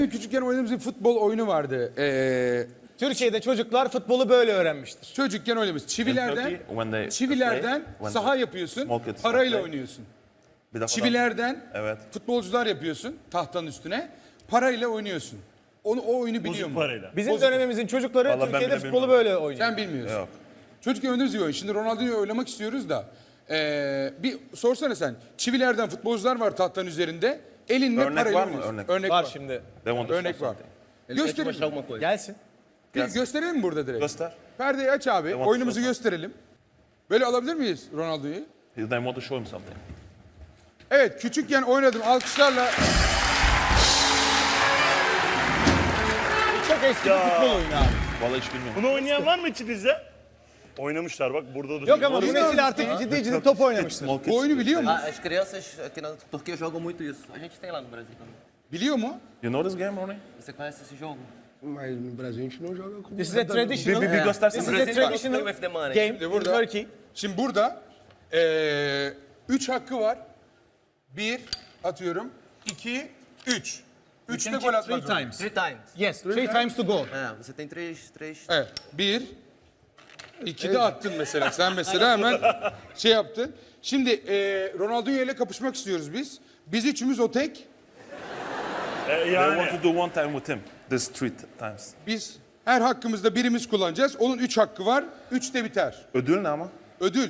Küçükken oynadığımız bir futbol oyunu vardı. Türkiye'de çocuklar futbolu böyle öğrenmiştir. Çocukken oynamış. Çivilerden when saha yapıyorsun, small kids parayla play. oynuyorsun. Bir defa Çivilerden Evet. futbolcular yapıyorsun tahtanın üstüne, parayla oynuyorsun. O oyunu biliyor Bozuk mu? parayla. Bizim Bozuk. dönemimizin çocukları Vallahi ben Türkiye'de bile futbolu bilmiyorum. böyle oynuyor. Sen bilmiyorsun. Yok. Çocukken oynadığımız bir oyun. Şimdi Ronaldo'yu oynamak istiyoruz da. Bir sorsana sen. Çivilerden futbolcular var tahtanın üzerinde. Elinle Örnek parayla var mı? oynuyorsun. Örnek. Var şimdi. They want to Örnek show var. something. Gösterelim. Gelsin. Gösterelim mi burada direkt? Göster. Perdeyi aç abi. want Oyunumuzu to show gösterelim. Böyle alabilir miyiz Ronaldo'yu? They want to show him something. Evet, küçükken oynadım. Alkışlarla. Çok eski bir futbol oyunu abi. Vallahi hiç bilmiyorum. Bunu oynayan var mı içinizde? Oynamışlar bak burada da. Yok ama bu nesil artık ciddi top oynamıştır. Small Bu kids. oyunu biliyor mu? As crianças aqui na Turquia jogam muito isso. A gente tem lá no Brasil também. Biliyor mu? You know this game, Ronnie? Você conhece esse jogo? Mas no Brasil a gente não joga com This is a traditional, Bir göstersene. this is a traditional Play with the money. game in burada. Turkey. Şimdi burada 3 hakkı var. 1 atıyorum. 2, 3. 3'te gol atmak zorunda. times. Three times. Yes, three times to go. Você tem três. Evet. 1, 2 de attın mesela. Sen mesela hemen şey yaptın. Şimdi Ronaldinho ile kapışmak istiyoruz biz. Biz üçümüz o tek. They Yani want to do one time with him. This three times. Biz her hakkımızda birimiz kullanacağız. Onun 3 hakkı var. 3'te biter. Ödül ne ama? Ödül.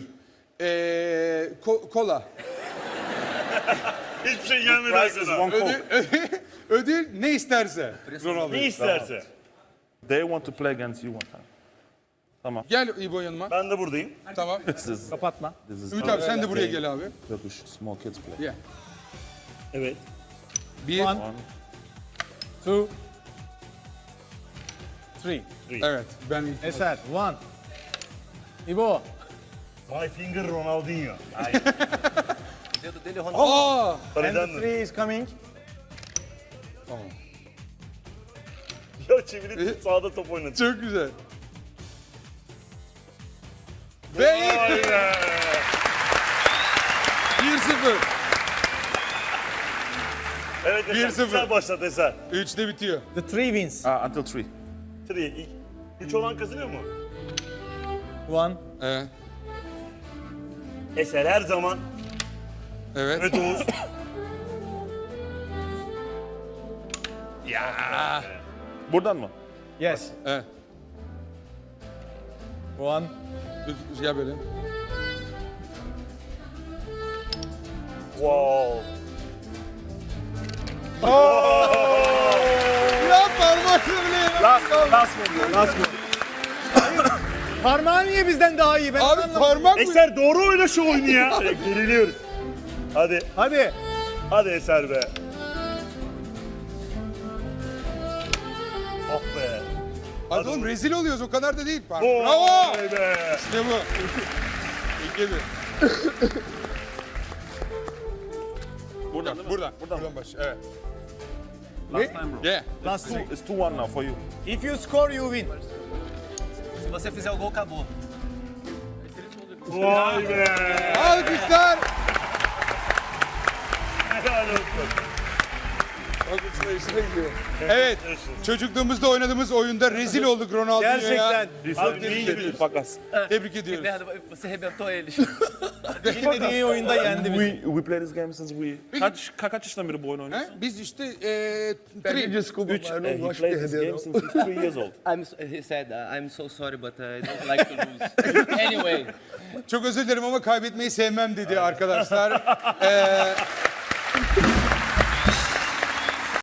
Kola. hiçbir şey gelmedi Prize is aklına. one coke. Ödül ne isterse. Ronaldo. Ne isterse. They want to play against you one time. Tamam. Gel İbo yanıma. Ben de buradayım. Tamam. This is Kapatma. Ümit abi sen de buraya gel abi. Turkish small kids play. Gel. Evet. 1, One. 2, 3. evet. Ben Eser, 1. İbo. My finger Ronaldinho. O dedo dele, Ronaldo. Aa! And Paraydan the da. 3 is coming. Tamam. Ya çeviri sağda top oynadı. Çok güzel. Ve ilk Vay be. 1-0. Evet Eser 1-0. güzel başladı Eser. 3'te bitiyor. The 3 wins. Until three. 3. 3 olan kazanıyor mu? 1. Evet. Eser her zaman. Evet. Evet Oğuz. Buradan mı? Yes. Evet. 1. Gel böyle. Wow. Ya parmakla bile. Last one. Parmağı niye bizden daha iyi? Ben Abi anlamadım. parmak mı? Eser doğru oyna şu oyunu ya. Geriliyoruz. Hadi. Hadi. Hadi Eser be. Ah be. Hadi oğlum rezil oluyoruz o kadar da değil. Oo, Bravo. vay be. İşte bu. İlk yedi. Buradan değil mi? Buradan baş. Evet. Last time bro. Yeah. Last two. It's 2-1 now for you. If you score, you win. Se você fizer o gol, acabou. Vay be. Alkışlar. Helal olsun. Alkışlar işine gidiyor. Evet. Çocukluğumuzda oynadığımız oyunda rezil olduk Ronaldo'ya. Gerçekten. Abi neyi gibi? Fakas. Tebrik ediyoruz. Merda, você arrebentou eles. Bilmediği oyunda yendi bizi. We play this game since we... Kaç yaşından beri bu oyunu oynuyorsun? He? Biz işte Pede desculpa, mas eu não He gosto de plays this perder, game não. since he's 3 years old. He said, I'm so sorry, but I don't like to lose. Anyway. çok özür dilerim ama kaybetmeyi sevmem dedi arkadaşlar.